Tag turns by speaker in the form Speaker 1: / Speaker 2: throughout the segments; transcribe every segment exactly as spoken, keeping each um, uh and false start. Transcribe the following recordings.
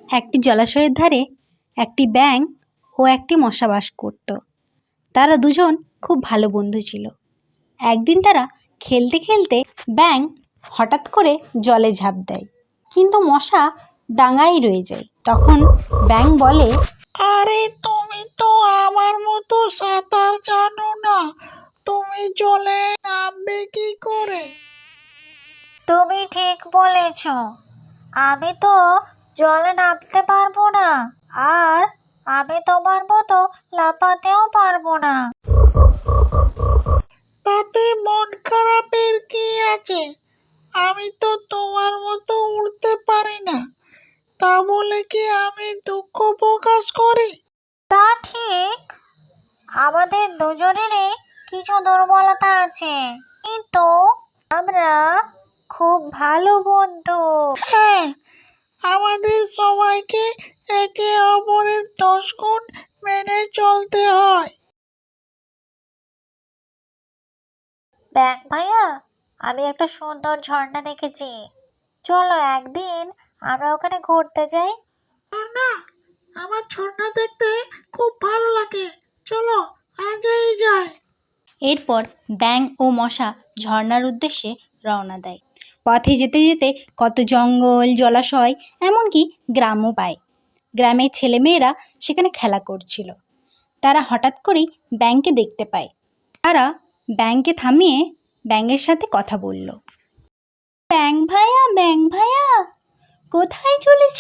Speaker 1: একটি জলাশয়ের ধারে একটি ব্যাঙ ও একটি মশা বাস করত। তারা দুজন খুব ভালো বন্ধু ছিল। একদিন তারা খেলতে খেলতে ব্যাঙ হঠাৎ করে জলে ঝাঁপ দেয়, কিন্তু মশা ডাঙায় রয়ে যায়। তখন ব্যাঙ বলে,
Speaker 2: আরে তুমি তো আমার মতো সাঁতার জানো না, তুমি জলে নামবে কি করে?
Speaker 3: তুমি ঠিক বলেছ, আমি তো জলে নামতে পারবো না, আর আমি তোমার মতো লাফাতেও পারবো না।
Speaker 2: তাতে মন খারাপের কি আছে? আমি তো তোমার মতো উড়তে পারি না, তা বলে কি আমি দুঃখ প্রকাশ করি?
Speaker 3: তা ঠিক, আমাদের দুজনেরই কিছু দুর্বলতা আছে, কিন্তু আমরা খুব ভালো বন্ধু।
Speaker 2: হ্যাঁ, আমাদের সবাইকে একে অপরের দশ গুণ মেনে চলতে হয়।
Speaker 3: ব্যাঙ ভাইয়া, আমি একটা সুন্দর ঝর্ণা দেখেছি, চলো একদিন আমরা ওখানে ঘুরতে যাই।
Speaker 2: না, আমার ঝর্ণা দেখতে খুব ভালো লাগে, চলো আজই যাই।
Speaker 1: এরপর ব্যাঙ ও মশা ঝর্ণার উদ্দেশ্যে রওনা দেয়। পথে যেতে যেতে কত জঙ্গল, জলাশয়, এমনকি গ্রামও পায়। গ্রামের ছেলেমেয়েরা সেখানে খেলা করছিল। তারা হঠাৎ করেই ব্যাঙকে দেখতে পায়। তারা ব্যাঙকে থামিয়ে ব্যাঙের সাথে কথা বলল। ব্যাঙ ভাইয়া, ব্যাঙ ভাইয়া, কোথায় চলেছ?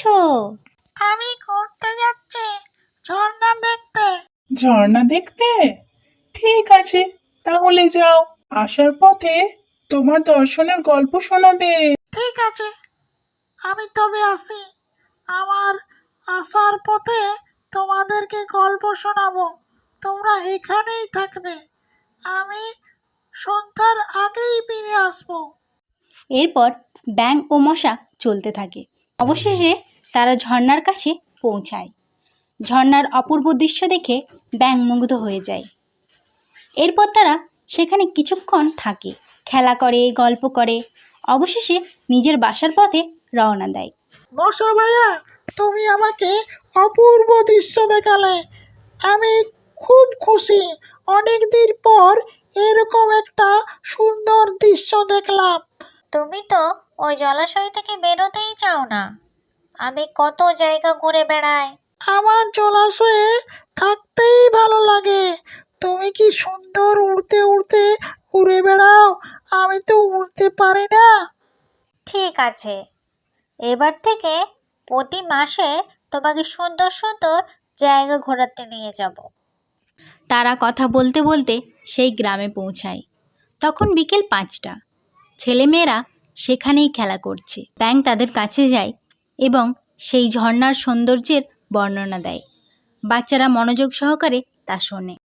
Speaker 2: আমি ঘুরতে যাচ্ছি, ঝর্ণা দেখতে।
Speaker 4: ঝর্ণা দেখতে? ঠিক আছে, তাহলে যাও। আসার পথে তোমার দর্শনের গল্প শোনাবে।
Speaker 2: ঠিক আছে, আমি তবে আসি। আমার আসার পথে তোমাদেরকে গল্প শোনাবো, তোমরা এখানেই থাকবে, আমি সন্ধ্যার আগেই ফিরে আসবো।
Speaker 1: এরপর ব্যাঙ ও মশা চলতে থাকে। অবশেষে তারা ঝর্ণার কাছে পৌঁছায়। ঝর্ণার অপূর্ব দৃশ্য দেখে ব্যাঙ মুগ্ধ হয়ে যায়। এরপর তারা সেখানে কিছুক্ষণ থাকে, খেলা করে, গল্প করে, অবশেষে নিজের বাসার পথে রওনা দেয়।
Speaker 2: মশা ভাইয়া, তুমি আমাকে অপূর্ব দৃশ্য দেখালে, আমি খুব খুশি। অনেক দিন পর এরকম একটা সুন্দর দৃশ্য দেখলাম।
Speaker 3: তুমি তো ওই জলাশয় থেকে বেরোতেই চাও না, আমি কত জায়গা ঘুরে বেড়াই।
Speaker 2: আমার জলাশয়ে থাকতেই ভালো লাগে, তুমি কি সুন্দর উড়তে উড়তে ঘুরে বেড়াও, আমি তো উড়তে পারি না।
Speaker 3: ঠিক আছে, এবার থেকে প্রতি মাসে তোমাকে সুন্দর সুন্দর জায়গা ঘোরাতে নিয়ে যাব।
Speaker 1: তারা কথা বলতে বলতে সেই গ্রামে পৌঁছায়। তখন বিকেল পাঁচটা। ছেলেমেয়েরা সেখানেই খেলা করছে। ব্যাঙ তাদের কাছে যায় এবং সেই ঝর্ণার সৌন্দর্যের বর্ণনা দেয়। বাচ্চারা মনোযোগ সহকারে তা শোনে।